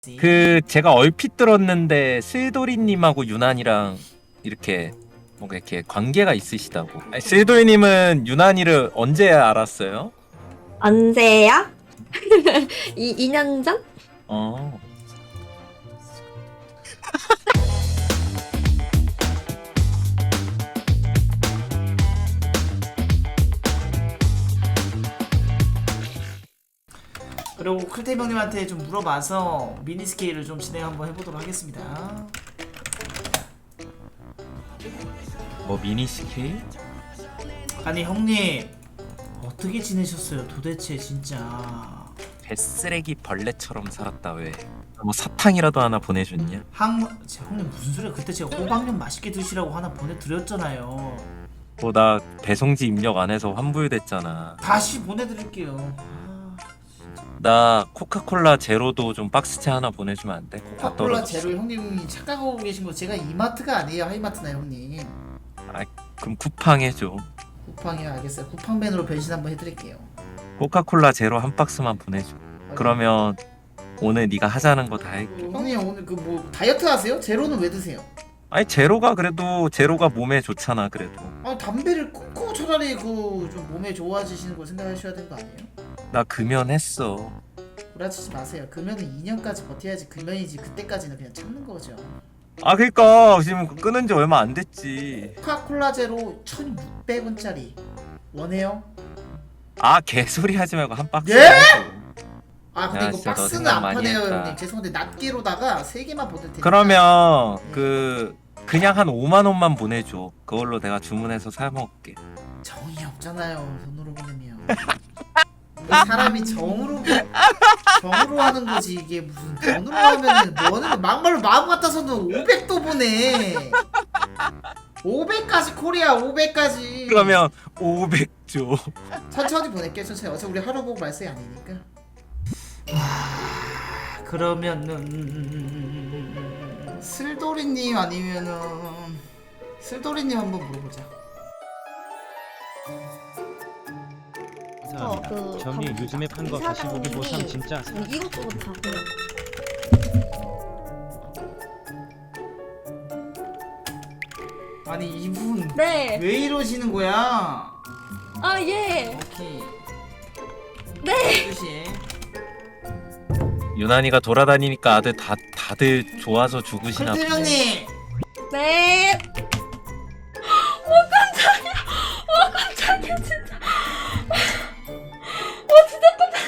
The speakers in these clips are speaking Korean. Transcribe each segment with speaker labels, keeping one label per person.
Speaker 1: 제가 얼핏 들었는데 슬도리님하고 유난이랑 이렇게 뭔가 이렇게 관계가 있으시다고. 아니, 슬도리님은 유난이를 언제 알았어요?
Speaker 2: 언제야? 2년 전?
Speaker 1: 어.
Speaker 3: 그리고 클템 형님한테 좀 물어봐서 미니 스케일을 좀 진행 한번 해보도록 하겠습니다.
Speaker 1: 뭐 미니 스케일?
Speaker 3: 아니 형님 어떻게 지내셨어요 도대체 진짜.
Speaker 1: 배쓰레기 벌레처럼 살았다 왜? 뭐 사탕이라도 하나 보내줬냐?
Speaker 3: 형님 무슨 소리야. 그때 제가 호박면 맛있게 드시라고 하나 보내드렸잖아요.
Speaker 1: 뭐 나 배송지 입력 안 해서 환불됐잖아.
Speaker 3: 다시 보내드릴게요.
Speaker 1: 나 코카콜라 제로도 좀 박스째 하나 보내주면 안 돼? 다
Speaker 3: 코카콜라
Speaker 1: 떨어졌어.
Speaker 3: 제로 형님이 착각하고 계신 거 제가 이마트가 아니에요 하이마트나 형님.
Speaker 1: 그럼 쿠팡 해줘.
Speaker 3: 쿠팡이요. 알겠어요. 쿠팡맨으로 변신 한번 해드릴게요.
Speaker 1: 코카콜라 제로 한 박스만 보내줘. 그러면 오늘 네가 하자는 거 다 할게.
Speaker 3: 형님 오늘 그 뭐 다이어트 하세요? 제로는 왜 드세요?
Speaker 1: 아니 제로가 그래도 제로가 몸에 좋잖아 그래도.
Speaker 3: 아 담배를 끊고 차라리 그 좀 몸에 좋아지시는 걸 생각하셔야 되는 거 아니에요?
Speaker 1: 나 금연했어.
Speaker 3: 구라치지 마세요. 금연은 2년까지 버텨야지 금연이지. 그때까지는 그냥 참는 거죠.
Speaker 1: 아 그니까 지금 끊은 지 얼마 안 됐지.
Speaker 3: 코카콜라 제로 1,600원짜리 원해요?
Speaker 1: 아 개소리 하지 말고 한 박스.
Speaker 3: 예?
Speaker 1: 해줘.
Speaker 3: 아 근데
Speaker 1: 야,
Speaker 3: 이거
Speaker 1: 진짜 너
Speaker 3: 박스는
Speaker 1: 생각
Speaker 3: 안
Speaker 1: 많이
Speaker 3: 파네요
Speaker 1: 했다.
Speaker 3: 형님. 죄송한데 낱개로다가 3개만 보낼 테니까.
Speaker 1: 그러면 그냥 한 5만 원만 보내줘. 그걸로 내가 주문해서 사 먹을게.
Speaker 3: 정이 없잖아요 돈으로 보내면. 이 사람이 정으로 하는 거지. 이게 무슨 돈으로 하면은 뭐는 막말로 마음 같아서는 500도 보내. 500까지 코리아 500까지.
Speaker 1: 그러면 500 줘.
Speaker 3: 천천히 보낼게. 천천히. 어차피 우리 하루 보고 말세 아니니까. 그러면은 슬도리님 아니면은 슬도리님 한번 물어보자.
Speaker 4: 점이 요즘에 판 거 다시 보기 보상 진짜
Speaker 2: 이것저것 다 그냥.
Speaker 3: 아니 이분
Speaker 2: 네.
Speaker 3: 왜 이러시는 거야?
Speaker 2: 아 예.
Speaker 3: 오케이.
Speaker 2: 네.
Speaker 3: 뜻이.
Speaker 1: 유난이가 돌아다니니까 다들 좋아서 죽으시나
Speaker 3: 클템
Speaker 1: 보네.
Speaker 3: 형님.
Speaker 2: 네. 깜짝이야 진짜. 진짜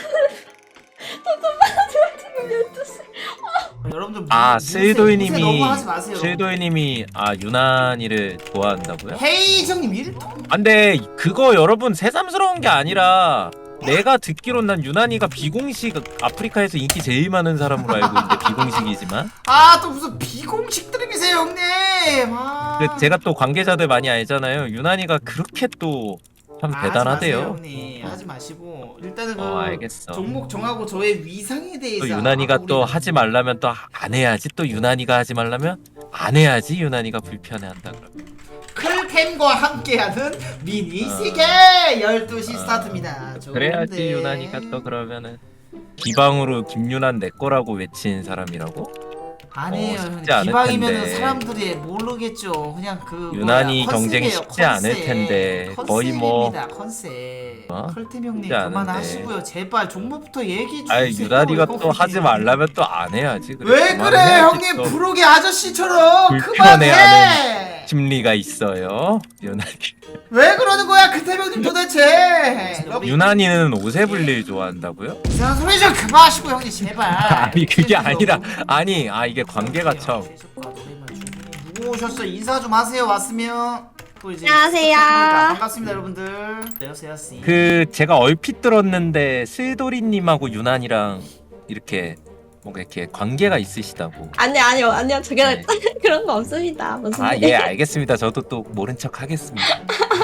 Speaker 2: 지금 12시.
Speaker 3: 여러분들
Speaker 1: 아
Speaker 3: 무세 너무 하지 마세요.
Speaker 1: 슬도이님이 유난이를 좋아한다고요?
Speaker 3: 헤이 형님 일통.
Speaker 1: 아, 근데 그거 여러분 새삼스러운 게 아니라 내가 듣기론 난 유난이가 비공식 아프리카에서 인기 제일 많은 사람으로 알고 있는데 비공식이지만
Speaker 3: 아또 무슨 비공식 드립이세요 형님. 아.
Speaker 1: 제가 또 관계자들 많이 알잖아요. 유난이가 그렇게 또 참 대단하대요.
Speaker 3: 하지 마세요, 형님. 하지 마시고 일단은
Speaker 1: 알겠어.
Speaker 3: 종목 정하고 저의 위상에 대해서.
Speaker 1: 또 유난이가
Speaker 3: 아까
Speaker 1: 또
Speaker 3: 우리
Speaker 1: 하지 말라면 또 안 해야지. 또 유난이가 하지 말라면 안 해야지. 유난이가 불편해한다 그러면.
Speaker 3: 클템과 함께하는 미니 세계 12시 스타트입니다.
Speaker 1: 그래야지
Speaker 3: 좋은데.
Speaker 1: 유난이가 또 그러면은 비방으로 김유난 내 거라고 외친 사람이라고?
Speaker 3: 아니에요 형님.
Speaker 1: 쉽지 않을
Speaker 3: 기방이면은
Speaker 1: 텐데.
Speaker 3: 사람들이 모르겠죠. 그냥 그
Speaker 1: 유난히
Speaker 3: 뭐야,
Speaker 1: 경쟁이
Speaker 3: 컨셉이에요,
Speaker 1: 쉽지 않을
Speaker 3: 컨셉.
Speaker 1: 텐데. 거의 뭐
Speaker 3: 컨셉입니다, 컨셉.
Speaker 1: 어?
Speaker 3: 클템 형님
Speaker 1: 쉽지 않은데.
Speaker 3: 그만하시고요. 제발 종목부터 얘기해 주세요.
Speaker 1: 아니 유난이가 또
Speaker 3: 형님.
Speaker 1: 하지 말라면 또 안 해야지.
Speaker 3: 왜 그래 형님.
Speaker 1: 또
Speaker 3: 부록의 아저씨처럼
Speaker 1: 불편해하는
Speaker 3: 그만해.
Speaker 1: 심리가 있어요. 유난이.
Speaker 3: 왜 그러는 거야 클템 형님 도대체.
Speaker 1: 유난이는 오세블릴 좋아한다고요?
Speaker 3: 이상한 소리 좀 그만하시고 형님 제발.
Speaker 1: 아니 그게 아니라 아니 이게 관계가 참.
Speaker 3: 누구 오셨어? 인사 좀 하세요. 왔으면 또 이제
Speaker 2: 안녕하세요.
Speaker 3: 반갑습니다 여러분들. 안녕하세요.
Speaker 1: 제가 얼핏 들었는데 슬도리님하고 유난이랑 이렇게 뭔가 이렇게 관계가 있으시다고.
Speaker 2: 아니요 저게
Speaker 1: 네.
Speaker 2: 그런 거 없습니다. 무슨
Speaker 1: 아 예 알겠습니다. 저도 또 모른 척 하겠습니다.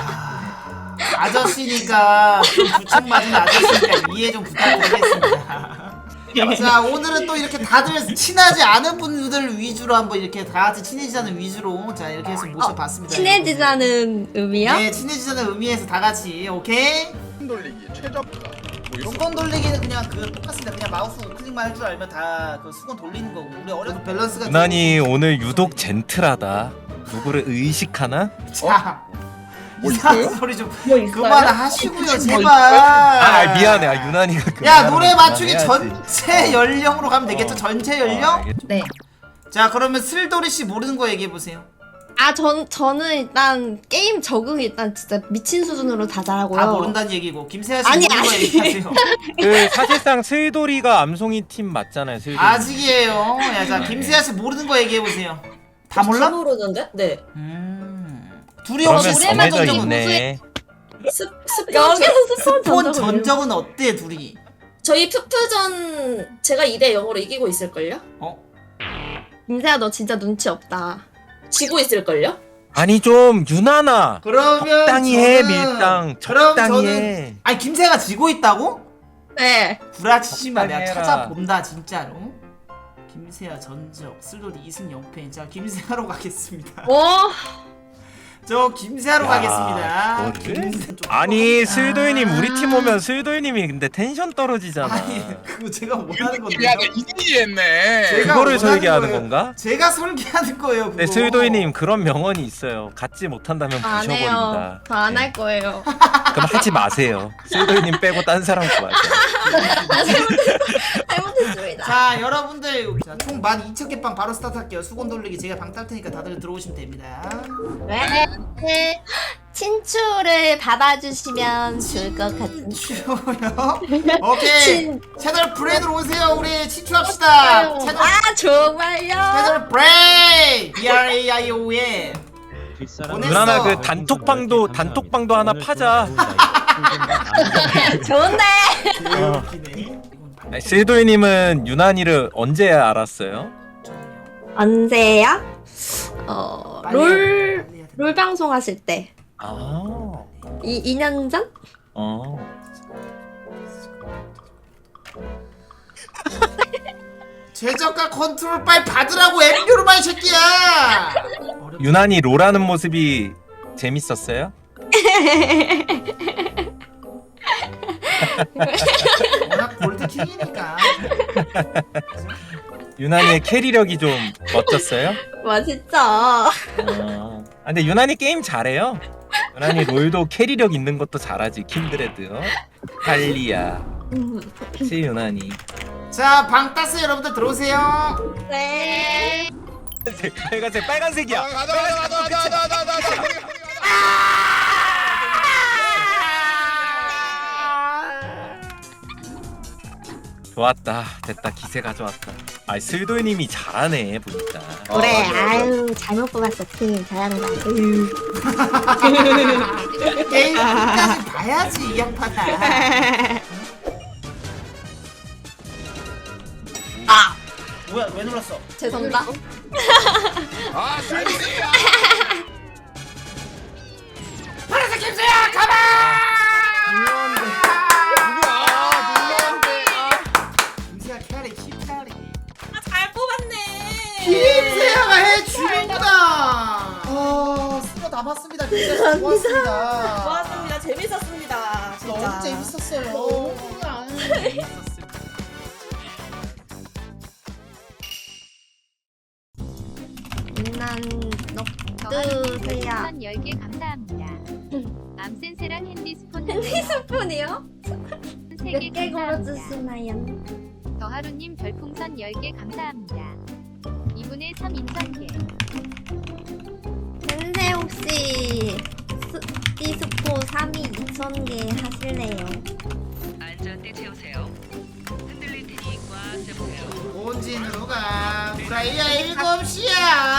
Speaker 3: 아저씨니까 좀 부축 맞은 아저씨니까 이해 좀 부탁드리겠습니다. 자 오늘은 또 이렇게 다들 친하지 않은 분들 위주로 한번 이렇게 다 같이 친해지자는 위주로 자 이렇게 해서 모셔봤습니다.
Speaker 2: 친해지자는 의미요?
Speaker 3: 네 친해지자는 의미에서 다 같이 오케이?
Speaker 5: 돌리기 최저가 뭐
Speaker 3: 수건 돌리기는 그냥 그 똑같습니다. 그냥 마우스 우클릭만 할 줄 알면 다 그 수건 돌리는 거고. 우리 어려서 밸런스가
Speaker 1: 유난히 오늘 유독 젠틀하다. 누구를 의식하나?
Speaker 3: 자,
Speaker 5: 뭐
Speaker 3: 이상한
Speaker 5: 있어요?
Speaker 3: 소리 좀
Speaker 2: 뭐 있어요?
Speaker 3: 그만하시고요, 제발.
Speaker 1: 아 미안해. 아 유난이가 그
Speaker 3: 야, 노래 맞추기
Speaker 1: 그만해야지.
Speaker 3: 전체 연령으로 가면 되겠죠? 전체 연령?
Speaker 2: 네.
Speaker 3: 자, 그러면 슬도리 씨 모르는 거 얘기해 보세요.
Speaker 2: 아, 저는 일단 게임 적응이 일단 진짜 미친 수준으로 다 잘하고요.
Speaker 3: 다 모른다는 얘기고 김세아 씨
Speaker 2: 아니,
Speaker 3: 모르는 거
Speaker 2: 아니.
Speaker 3: 얘기하세요.
Speaker 1: 그 사실상 슬도리가 암송이 팀 맞잖아요. 슬도리.
Speaker 3: 아직이에요. 야, 자, 김세아 씨 모르는 거 얘기해 보세요. 다 몰라?
Speaker 6: 모르는데? 네.
Speaker 3: 둘이
Speaker 1: 그러면
Speaker 3: 혹시
Speaker 2: 노래만
Speaker 1: 정해져
Speaker 3: 스폰
Speaker 1: 있네.
Speaker 2: 여기서 스폰
Speaker 3: 전적은
Speaker 2: 전적은
Speaker 3: 전적은 어때 둘이?
Speaker 6: 저희 푸푸전 제가 2대 0으로 이기고 있을걸요?
Speaker 2: 김세아 너 진짜 눈치 없다.
Speaker 6: 지고 있을걸요?
Speaker 1: 아니 좀 유난아.
Speaker 3: 그러면
Speaker 1: 적당히 해
Speaker 3: 저는-
Speaker 1: 밀당.
Speaker 3: 그럼
Speaker 1: 적당히
Speaker 3: 저는-
Speaker 1: 해.
Speaker 3: 아니 김세아가 지고 있다고?
Speaker 2: 네.
Speaker 3: 구라치지 마. 내가
Speaker 1: 적당히 해라.
Speaker 3: 찾아본다 진짜로. 김세아 전적 슬로리 2승 0패. 자 김세아로 가겠습니다.
Speaker 2: 뭐?
Speaker 3: 저 김세아로
Speaker 1: 야,
Speaker 3: 가겠습니다.
Speaker 1: 이거를?
Speaker 3: 김세- 좀
Speaker 1: 아니
Speaker 3: 아.
Speaker 1: 슬도이님 우리 팀 오면 슬도이님이 근데 텐션 떨어지잖아.
Speaker 3: 아니 그거 제가 원하는 건데.
Speaker 5: 야, 나 이기했네.
Speaker 3: 제가
Speaker 1: 그거를
Speaker 3: 원하는
Speaker 1: 설계하는
Speaker 3: 거예요.
Speaker 1: 건가?
Speaker 3: 제가 설계하는 거예요. 그거.
Speaker 1: 네 슬도이님 그런 명언이 있어요. 갖지 못한다면
Speaker 2: 안 해요.
Speaker 1: 부셔버린다.
Speaker 2: 저 안 할 거예요.
Speaker 1: 그럼 하지 마세요. 슬도이님 빼고 딴 사람 구하세요.
Speaker 2: 잘못했습니다.
Speaker 3: 자 여러분들 자, 총 12,000개 빵 바로 스타트할게요. 수건 돌리기 제가 방 딸 테니까 다들 들어오시면 됩니다.
Speaker 2: 네. 친추를 받아주시면 좋을 것 같은데.
Speaker 3: 추요? 오케이
Speaker 2: 친-
Speaker 3: 채널 브레인으로 오세요. 우리 친추합시다. 채널
Speaker 2: 아 정말요?
Speaker 3: 채널 브레인 BRAION.
Speaker 4: 뒷사람
Speaker 3: 보냈어.
Speaker 1: 누나나 그 단톡방도 하나 파자.
Speaker 2: 좋은데.
Speaker 3: 개웃기네.
Speaker 1: 아니, 슬도이님은 유난이를 언제 알았어요?
Speaker 2: 언제야?
Speaker 3: 빨리
Speaker 2: 롤
Speaker 3: 해야 돼.
Speaker 2: 롤 방송 하실 때.
Speaker 1: 아,
Speaker 2: 2년 전?
Speaker 3: 최저가 컨트롤 빨리 받으라고 엠뷰로만 이 새끼야.
Speaker 1: 유난히 롤하는 모습이 재밌었어요?
Speaker 3: 워낙 골드킹이니까.
Speaker 1: 유난이의 캐리력이 좀 멋졌어요?
Speaker 2: 멋있죠.
Speaker 1: 근데 유난히 게임 잘해요. 유난히 롤도 캐리력 있는 것도 잘하지. 킨드레드, 할리아, 치 유난히.
Speaker 3: 자, 방 땄어요. 여러분들 들어오세요.
Speaker 2: 네.
Speaker 1: 빨간색 빨간색이야.
Speaker 5: 가자.
Speaker 1: 좋았다. 됐다. 기세 가져왔다. 아, 슬도이님이 잘하네 보니까.
Speaker 2: 그래. 아유 잘못 뽑았어 팀. 잘한다.
Speaker 3: 게임 끝까지 봐야지 이 양반아. 아 뭐야 왜 눌렀어?
Speaker 2: 죄송합니다.
Speaker 5: 아, 살리야.
Speaker 3: 파란색 김수야 가만. 김수야 캐리 힙 캐리.
Speaker 6: 잘 뽑았네.
Speaker 3: 김세아가 해주는구나. 수고 다 봤습니다. 김세아 고맙습니다.
Speaker 6: 좋았습니다. 재밌었습니다. 진짜.
Speaker 3: 너무 재밌었어요.
Speaker 2: 난
Speaker 7: 더하루님
Speaker 2: 녹두세요.
Speaker 7: 10개 감사합니다. 암센세랑 핸디스폰
Speaker 2: 핸디스폰이요?
Speaker 7: 3개
Speaker 2: 몇 개
Speaker 7: 감사합니다.
Speaker 2: 걸어주시나요?
Speaker 7: 더하루님 별풍선 10개 감사합니다. 2분의 3 인선계.
Speaker 2: 근데 혹시 디스포 3위 2,000개 하실래요?
Speaker 8: 안전대 채우세요. 흔들릴 테니 꽉 잡으세요.
Speaker 3: 본진으로 가. 브라이야 7시야.